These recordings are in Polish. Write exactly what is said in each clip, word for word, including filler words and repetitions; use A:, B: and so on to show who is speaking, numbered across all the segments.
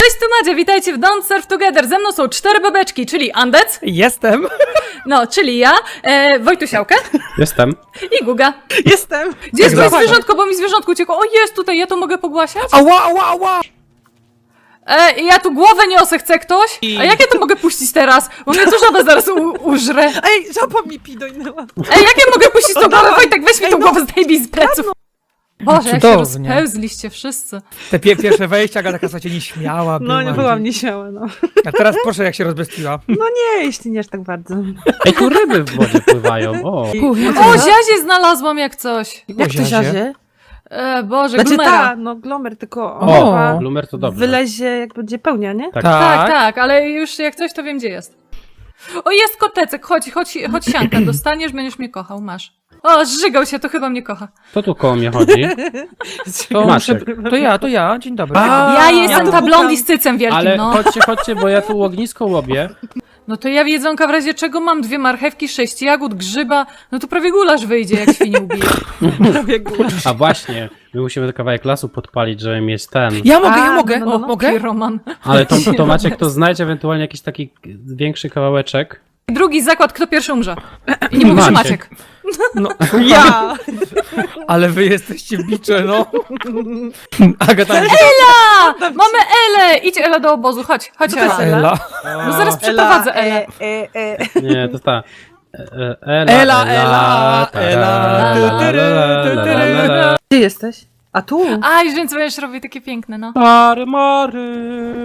A: Cześć, tu Madzia, witajcie w Don't Surf Together. Ze mną są cztery bebeczki, czyli Andec.
B: Jestem.
A: No, czyli ja, e, Wojtusiałkę.
C: Jestem.
A: I Guga.
B: Jestem.
A: Gdzie jest
B: Tak,
A: moje
B: tak.
A: zwierzątko, bo mi zwierzątko uciekło. O, jest tutaj, ja to mogę pogłasiać?
B: Ała, ała, ała.
A: E, ja tu głowę niosę, chce ktoś? A jak ja to mogę puścić teraz? Bo mnie tu żaba zaraz u, użre.
B: Ej, żaba mi pidojnęła.
A: Ej, jak ja mogę puścić tą głowę? Wojtek, weź mi tą
B: Ej, no.
A: głowę, zdejmij z pleców. Boże, jak się
B: Cudownie.
A: rozpełzliście wszyscy.
B: Te pie pierwsze wejścia, Aga taka słuchajcie nieśmiała była.
D: No, nie byłam nieśmiała, no.
B: A teraz proszę, jak się rozbestiła.
D: No nie, jeśli nie aż tak bardzo.
C: Ej, tu ryby w wodzie pływają. O.
A: O, ziazie znalazłam jak coś.
D: Jak to
B: Ziazie?
D: ziazie?
A: E, Boże,
D: Znaczy
A: glumera.
D: ta, no glomer, tylko
B: O.
D: ona
C: Lumer to dobrze.
D: wylezie jak będzie pełnia, nie?
C: Tak.
A: Tak, tak, ale już jak coś, to wiem, gdzie jest. O, jest kotecek, chodź, chodź, chodź sianka, dostaniesz, będziesz mnie kochał, masz. O, zżygał się, to chyba mnie kocha.
C: Kto tu koło mnie chodzi?
B: To,
C: Maciek.
B: to ja, to ja. Dzień dobry.
C: A,
A: Ja jestem
D: to
A: ta
D: pukam.
A: blondi z cycem wielkim,
C: Ale
A: no.
C: chodźcie, chodźcie, bo ja tu ognisko łobię.
A: No to ja jedzonka w razie czego mam dwie marchewki, sześć jagód, grzyba, no to prawie gulasz wyjdzie, jak świnie ubije.
D: Prawie góra.
C: A właśnie, my musimy kawałek lasu podpalić, żeby mieć ten.
B: Ja mogę,
D: A,
B: ja mogę.
D: no, no,
A: O,
D: no.
B: Mogę?
A: Roman.
C: Ale to, to Maciek to znajdź ewentualnie jakiś taki większy kawałeczek.
A: Drugi zakład, kto pierwszy umrze. I nie mówi, że
C: Maciek.
A: Maciek.
B: No,
D: Ja!
B: ale wy jesteście bicze, no. Aga tam...
A: Ela! Mamy Elę! Idź Ela do obozu, chodź, chodź
D: Co to jest
A: Ela.
D: Ela?
B: Ela.
A: No zaraz przeprowadzę Elę.
D: E, e, e.
C: Nie, to jest ta. E, e,
B: Ela, Ela, Ela,
C: la, la, la, la, la, la, la.
D: Gdzie jesteś? A tu?
A: Aj, więc będziesz robił takie piękne, no.
C: Mary, Mary.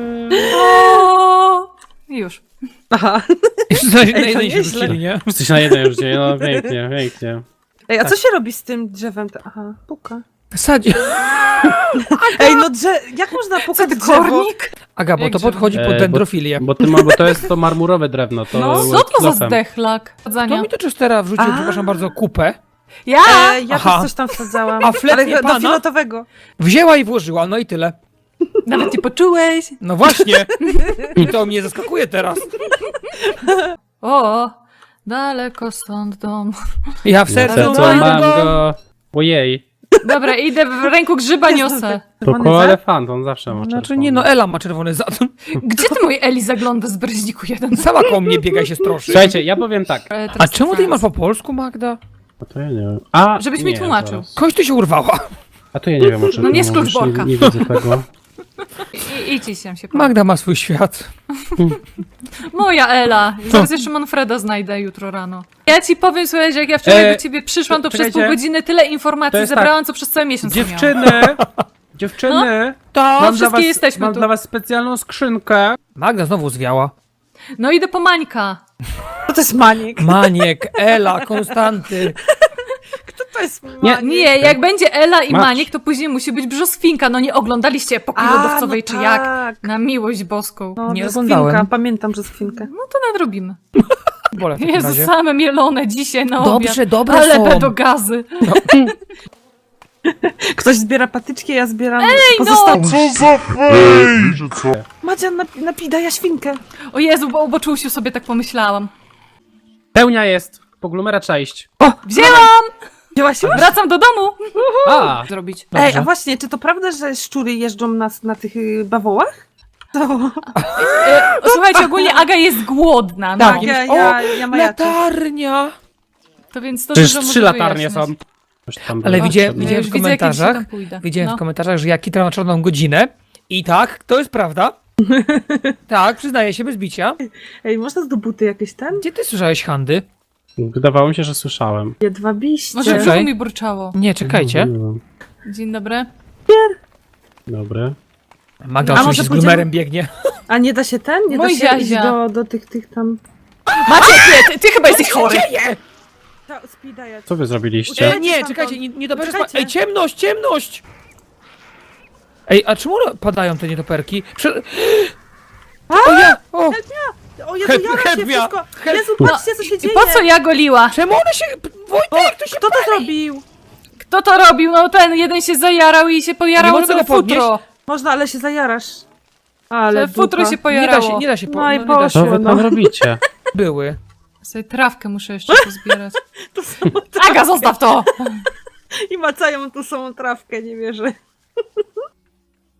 A: O! I już.
D: Aha.
B: Jeszcze na
D: to
B: jednej się
D: nieźle.
B: rzucili, nie?
C: Jesteś na jednej już dzień, no pięknie, pięknie.
D: Ej, a co się robi z tym drzewem? Aha, puka.
B: Sadzi.
D: Ej, no drze... jak można
A: Co
D: pukać
A: ty,
D: drzewo?
A: kornik?
B: Aga, bo
A: Jak
B: to
A: drzewo?
B: podchodzi
C: E,
B: pod
C: bo-
B: dendrofilię.
C: Bo, ty ma, bo to jest to marmurowe drewno, to
D: No,
A: Co to za
C: klofem.
A: zdechlak?
B: To
A: Chodzenia.
B: mi to Chestera wrzucił,
D: A.
B: przepraszam bardzo, kupę.
A: Ja!
D: E, ja
B: Aha.
D: też coś tam wsadzałam.
B: A flet
D: Ale
B: nie
D: do
B: pana?
D: filetowego.
B: Wzięła i włożyła, no i tyle.
A: Nawet nie poczułeś.
B: No właśnie. I to mnie zaskakuje teraz.
A: O! Daleko stąd dom.
B: Ja w
C: No,
B: sercu
C: co, co,
B: mam
C: mam
B: go.
C: go. Ojej.
A: Dobra, idę w ręku grzyba
D: Jest
A: niosę.
C: To
D: Czerwony
C: koło
D: zad?
C: elefant, on zawsze ma
B: Znaczy
C: czerwony.
B: nie, no Ela ma czerwony zad.
A: Gdzie ty mój Eli zagląda z breźniku jeden?
B: Sama koło mnie biega i się stroszy.
C: Słuchajcie, ja powiem tak.
A: E,
B: A
A: teraz
B: czemu ty
A: trans.
B: masz po polsku, Magda?
C: A to ja nie wiem. A,
A: Żebyś mi
C: nie,
A: tłumaczył.
C: zaraz.
B: Kość tu się urwała.
C: A to ja nie wiem o czym
A: No nie
C: ty
A: skróć
C: mówisz,
A: worka.
C: Nie, nie widzę tego.
A: I, idź się się po.
B: Magda ma swój świat.
A: Moja Ela. Zaraz jeszcze Manfreda znajdę jutro rano. Ja ci powiem, słuchaj, że jak ja wczoraj
C: E,
A: do ciebie przyszłam, to przez
C: czekajcie.
A: pół godziny tyle
C: To
A: informacji
C: jest
A: zebrałam, co przez cały miesiąc nie miałam.
C: Dziewczyny! Dziewczyny!
B: To
C: mam dla
A: wszystkie
C: was,
A: jesteśmy
C: mam
A: tu.
C: dla was specjalną skrzynkę.
B: Magda znowu zwiała.
A: No idę po Mańka.
D: Co to jest maniek?
B: Maniek, Ela, Konstanty.
D: Kto to jest maniek?
C: Nie,
A: Nie, jak będzie Ela i
C: Macz.
A: Maniek, to później musi być brzoskwinka. No nie oglądaliście epoki
D: A,
A: lodowcowej,
D: no
A: czy jak?
D: tak.
A: Na miłość boską.
D: No,
B: Nie
D: brzoskwinka,
B: oglądałem.
D: pamiętam brzoskwinkę.
A: No to nadrobimy.
B: Bole w takim
A: Jezu,
B: razie.
A: same mielone dzisiaj na
B: Dobrze,
A: obiad.
B: dobre
A: Ale
B: są.
A: będą gazy.
D: Ktoś zbiera patyczki, ja zbieram
A: no!
D: pozostałe.
E: Co za fej! Że co?
D: Madzia, nap napida ja świnkę.
A: O Jezu, bo o Czułsiu sobie tak pomyślałam.
C: Pełnia jest. Po glumera trzeba iść.
A: Wzięłam!
D: Wzięłaś już?
A: Wracam do domu.
C: A!
A: Zrobić.
D: Ej,
B: Dobrze.
D: a właśnie, czy to prawda, że szczury jeżdżą na, na tych y, bawołach? To...
A: E, słuchajcie, ogólnie Aga jest głodna. No.
D: Tak, ja, ja, ja majaczę.
B: Latarnia.
A: To więc to
C: Przecież
A: dużo
C: trzy
A: może
C: latarnie są.
A: wyjaśniać.
C: Coś tam
B: Ale
C: było.
B: widziałem,
A: Ja
B: widziałem
A: już
B: w
A: widzę, jak kiedyś
B: komentarzach,
A: tam pójdę.
B: widziałem
A: No.
B: w komentarzach, że ja kitram na czarną godzinę. I tak, to jest prawda. Tak, przyznaję się bez bicia.
D: Ej, można z do buty jakieś ten?
B: Gdzie ty słyszałeś Handy?
C: Wydawało mi się, że słyszałem.
D: Jedwabiście.
A: Może w
B: Czekaj.
A: brzuchu mi burczało.
B: Nie, czekajcie.
A: Dzień dobry.
C: Dobry.
B: Magda
D: A
B: oczywiście
D: może
B: z
D: pójdziemy-
B: glumerem biegnie.
D: A nie da się ten? Nie
A: Mój
D: da się iść
A: ziazia.
D: do, do tych, tych tam...
A: Maciek, nie, ty, ty chyba jesteś chory.
D: Ta, speeda ja.
C: Co wy zrobiliście?
D: Uciekaj.
B: Ej, nie,
D: stamtąd.
B: czekajcie, nie, nie dobrze
D: Uciekajcie.
B: Ej, ciemność, ciemność! Ej, a czemu padają te nietoperki? Prze... O ja! O!
D: O Jezu,
B: Help-
D: jara
B: help
D: się
B: me.
D: wszystko!
B: Help-
D: Jezu, patrzcie, co się
A: I
D: dzieje!
A: po co ja goliła?
B: Czemu one się... Wojtek, to się...
D: Kto to zrobił?
A: Kto to robił? No ten jeden się zajarał i się
B: Nie
A: pojarało
B: mogę
A: całe
B: go podnieść?
A: futro.
D: Można, ale się zajarasz. Ale
A: Ale futro
D: dupa.
A: się
B: Nie
A: pojarało.
B: da się, nie da się... Po...
D: No i
B: nie da się.
C: Co wy
D: no.
C: tam robicie?
B: Były.
A: Sobie trawkę muszę jeszcze pozbierać.
D: To samą
A: Aga, zostaw to!
D: I macają tu samą trawkę, nie wierzę.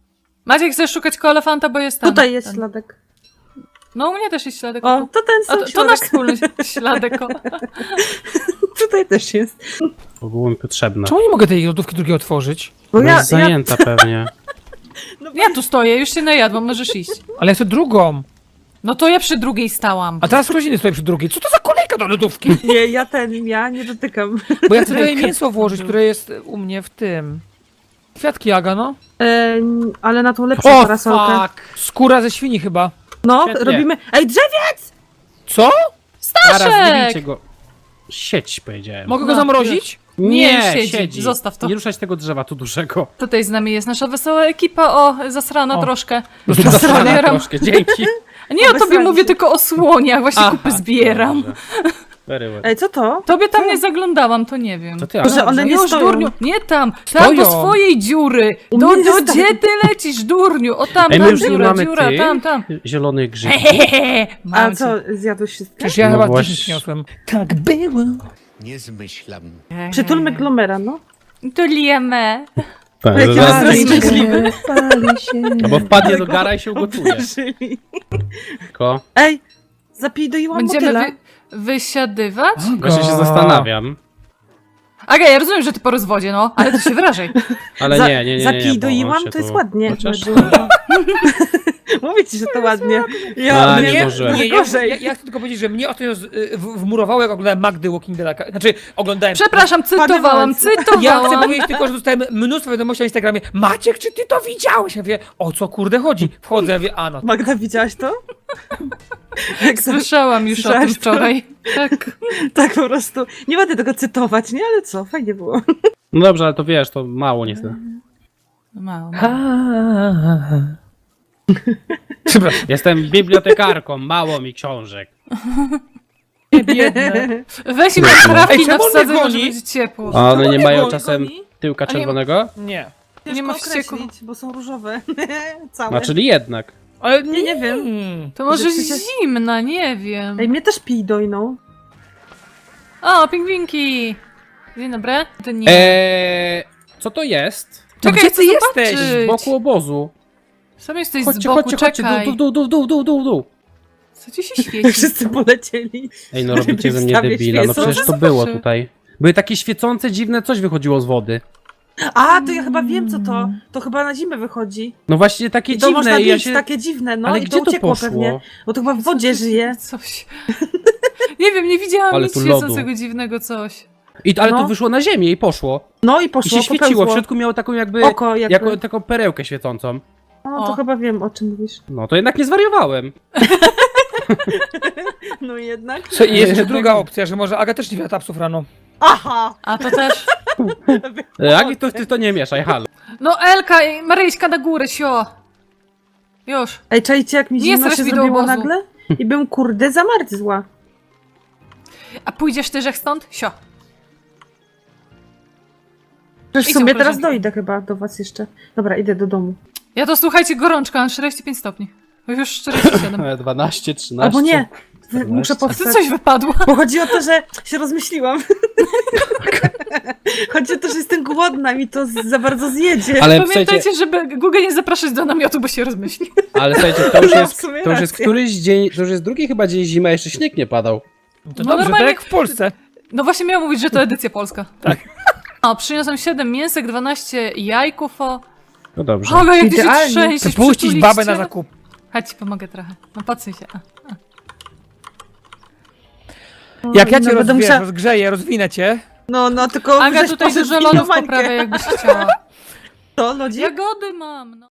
A: Maciek, chcesz szukać koło elefanta, bo jest tam.
D: Tutaj jest
A: ten.
D: śladek.
A: No u mnie też jest śladek.
D: O, to ten
A: A
D: sam
A: to, to
D: śladek.
A: nasz wspólny śladek. O.
D: Tutaj też jest.
C: Bo było mi potrzebne.
B: Czemu nie mogę tej lodówki drugiej otworzyć?
D: Bo
C: Bo
D: ja,
C: jest
D: ja,
C: zajęta pewnie.
A: Ja tu stoję, już się najadłam, możesz iść.
B: Ale ja chcę drugą.
A: No to ja przy drugiej stałam.
B: A teraz ktoś inny stoi przy drugiej. Co to za kolejka do lodówki?
D: nie, ja ten, ja nie dotykam.
B: Bo ja chcę tutaj mięso włożyć, które jest u mnie w tym. Kwiatki Aga, no.
D: E, ale na tą lepszą
C: O,
D: parasolkę.
C: fuck!
B: Skóra ze świni chyba.
D: No,
C: Świetnie.
D: robimy... Ej, drzewiec!
B: Co?
C: Zaraz nie
A: Staszek!
C: bijcie go. Sieć, powiedziałem.
B: Mogę go
A: No,
B: zamrozić?
A: Nie,
C: Nie,
A: siedzi.
C: siedzi.
A: Zostaw to.
C: Nie ruszać tego drzewa tu dużego.
A: Tutaj z nami jest nasza wesoła ekipa, o, zasrana
B: O.
A: troszkę.
C: Zasrana
A: Zbieram.
C: troszkę, dzięki.
A: A nie o tobie
D: Obesrali
A: mówię,
D: się.
A: tylko o słoniach, właśnie
C: Aha,
A: kupy zbieram.
C: dobrze. Very well.
D: Ej, co to?
A: Tobie tam nie zaglądałam, to nie wiem.
C: To ty,
D: Że
C: ale
D: one nie
A: Już,
D: stoją.
A: durniu, nie tam, tam
B: Stoją.
A: do swojej dziury.
D: U
A: Do,
D: mnie
A: do,
D: nie stoją.
A: gdzie ty lecisz, durniu? O tam,
C: Ej, my
A: tam
C: już nie
A: dziura,
C: mamy
A: dziura,
C: tych
A: tam, tam.
C: zielonych grzybów.
D: A
A: Mam
D: co,
A: cię.
D: zjadłeś wszystkie?
B: Przecież ja
C: No
B: chyba
C: właśnie.
B: dziesięć przyniosłem. Tak było.
F: Nie zmyślam.
D: Przytulmy glomera, no.
A: To liemy.
C: Tak,
D: Jakie
C: zaraz-
D: nas rozmyślimy.
C: No bo wpadnie do gara i się ugotuje.
D: Obdarzyli.
C: Tylko
D: Ej, zapidoiłam
A: Będziemy
D: motyla.
A: wy, wysiadywać?
C: właśnie się zastanawiam.
A: Aga, ja rozumiem, że ty po rozwodzie, no, ale ty się wyrażaj.
C: Ale
D: Za-
C: nie, nie, nie, nie, nie.
D: Zapidoiłam,
C: bo się
D: to jest
C: tu-
D: ładnie.
C: Chociaż...
D: Mówię ci, że to ładnie.
C: A,
D: Ja,
C: nie
D: nie,
C: zdążyłem.
B: Nie, ja,
D: gorzej.
B: ja, ja chcę tylko powiedzieć, że mnie ostatnio z- y, w- wmurowało, jak oglądałem Magdy Walking Dead. Znaczy, oglądałem...
A: Przepraszam, cytowałam,
D: Padywalcy.
B: Ja chcę
A: cytowałam.
B: powiedzieć tylko, że dostałem mnóstwo wiadomości na Instagramie. Maciek, czy ty to widziałeś? Ja mówię, o co kurde chodzi? Wchodzę, ja mówię, a no.
D: Magda, widziałaś to? Jak sobie,
A: Słyszałam już o tym
D: Słyszałaś to?
A: wczoraj. Tak.
D: tak po prostu. Nie będę tego cytować, nie? Ale co, fajnie było.
C: No dobrze, ale to wiesz, to mało niestety.
A: Mało.
B: Przepraszam,
C: Jestem bibliotekarką, mało mi książek.
B: nie biedne.
A: Weź mi
B: Ej,
A: trafki
B: czemu
A: na
B: on
A: wsadzę,
B: mnie
A: może
B: goni?
A: być ciepło.
C: A one nie
D: Goni,
C: mają
D: goni,
C: czasem
D: goni.
C: tyłka
A: A nie-
C: czerwonego?
B: Nie.
A: Nie ma
D: Ciężko
A: wścieku.
D: określić, bo są różowe. Całe.
C: No, czyli jednak.
B: Ale
D: Nie, nie wiem.
A: To może
D: Że przecież-
A: zimna, nie wiem.
D: Ej, mnie też pij dojną.
A: O, pingwinki! Dzień dobry. To nie.
C: Eee, co to jest?
B: No
A: Czekaj,
B: gdzie
A: chcę
B: ty jesteś?
A: zobaczyć.
C: Z boku obozu.
A: Sam jesteś z
C: Chodźcie,
A: boku,
C: chodźcie, chodźcie,
A: czekaj.
C: dół, dół, dół, dół, dół, dół, dół.
A: Co ci się świeci?
D: Wszyscy polecieli.
C: Ej, no robicie ze mnie
D: Wstawię
C: debila, no
D: świecą.
C: przecież to było tutaj. Były takie świecące, dziwne coś wychodziło z wody.
D: A, to ja chyba wiem, co to. To chyba na zimę wychodzi.
C: No właśnie takie
D: I to można
C: dziwne i
D: pić,
C: ja się...
D: takie dziwne, no
C: Ale
D: i
C: gdzie
D: to
C: to
D: uciekło
C: poszło?
D: pewnie. Bo to chyba w wodzie żyje.
A: Coś. Nie wiem, nie widziałam
C: Ale
A: nic
C: tu
A: świecącego dziwnego coś.
C: I, ale
D: No.
C: to wyszło na ziemię i poszło.
D: No i
C: I
D: poszło,
C: się świeciło,
D: popełzło.
C: w środku miało taką jakby...
D: Oko jakby.
C: jako, taką perełkę świecącą.
D: No to
A: O.
D: chyba wiem, o czym mówisz.
C: No to jednak nie zwariowałem.
D: No jednak.
B: Co, i jest jeszcze druga opcja, że może Aga też nie wie tapsów rano.
D: Aha!
A: A to też.
C: Jak to, ty to nie mieszaj, halo.
A: No Elka, i Maryjska na górę, sio. Już.
D: Ej, czajcie, jak mi
A: Nie
D: zimno
A: strasz
D: się
A: mi do
D: zrobiło
A: obozu.
D: nagle? I bym kurde zamarzła.
A: A pójdziesz ty, że stąd? Sio.
D: Przecież
A: I
D: w sumie
A: są
D: teraz
A: koleżanki.
D: dojdę chyba do was jeszcze. Dobra, idę do domu.
A: Ja to słuchajcie, gorączka, mam czterdzieści pięć stopni. Bo już czterdzieści siedem.
C: dwanaście, trzynaście.
D: Albo nie. Wy- Muszę
A: A ty
D: powstać.
A: coś wypadło.
D: Bo chodzi o to, że się rozmyśliłam. Chodzi o to, że jestem głodna, mi to z- za bardzo zjedzie.
C: Ale słuchajcie,
A: Pamiętajcie, żeby Google nie zapraszać do namiotu, bo się rozmyśli.
C: ale słuchajcie, to już
D: No, w
C: jest,
D: sumie
C: to już jest
D: racja.
C: któryś dzień, to już jest drugi chyba dzień zimy, a jeszcze śnieg nie padał.
B: To
A: No
B: dobrze,
A: normalnie-
B: tak jak w Polsce.
A: No właśnie miałam mówić, że to edycja polska. Tak. O, przyniosłem siedem mięsek, dwanaście jajków, o.
C: No dobrze.
A: Boga, jak ty się
D: Idealnie.
A: trzęsiesz,
B: Chcę puścić
A: przytulić
B: babę
A: cię.
B: na zakup.
A: Chodź, ci pomogę trochę. No patrzcie się. A.
B: Jak ja
D: No,
B: cię
D: będę
B: rozwiję,
D: musiała-
B: rozgrzeję, rozwinę cię.
D: No, no, tylko
A: Aga
D: żeś
A: tutaj
D: poszedł
A: dużo
D: w
A: lodów
D: inną bańkę.
A: poprawia, jakbyś chciała.
D: To, lodzik?
A: Jagody mam, no.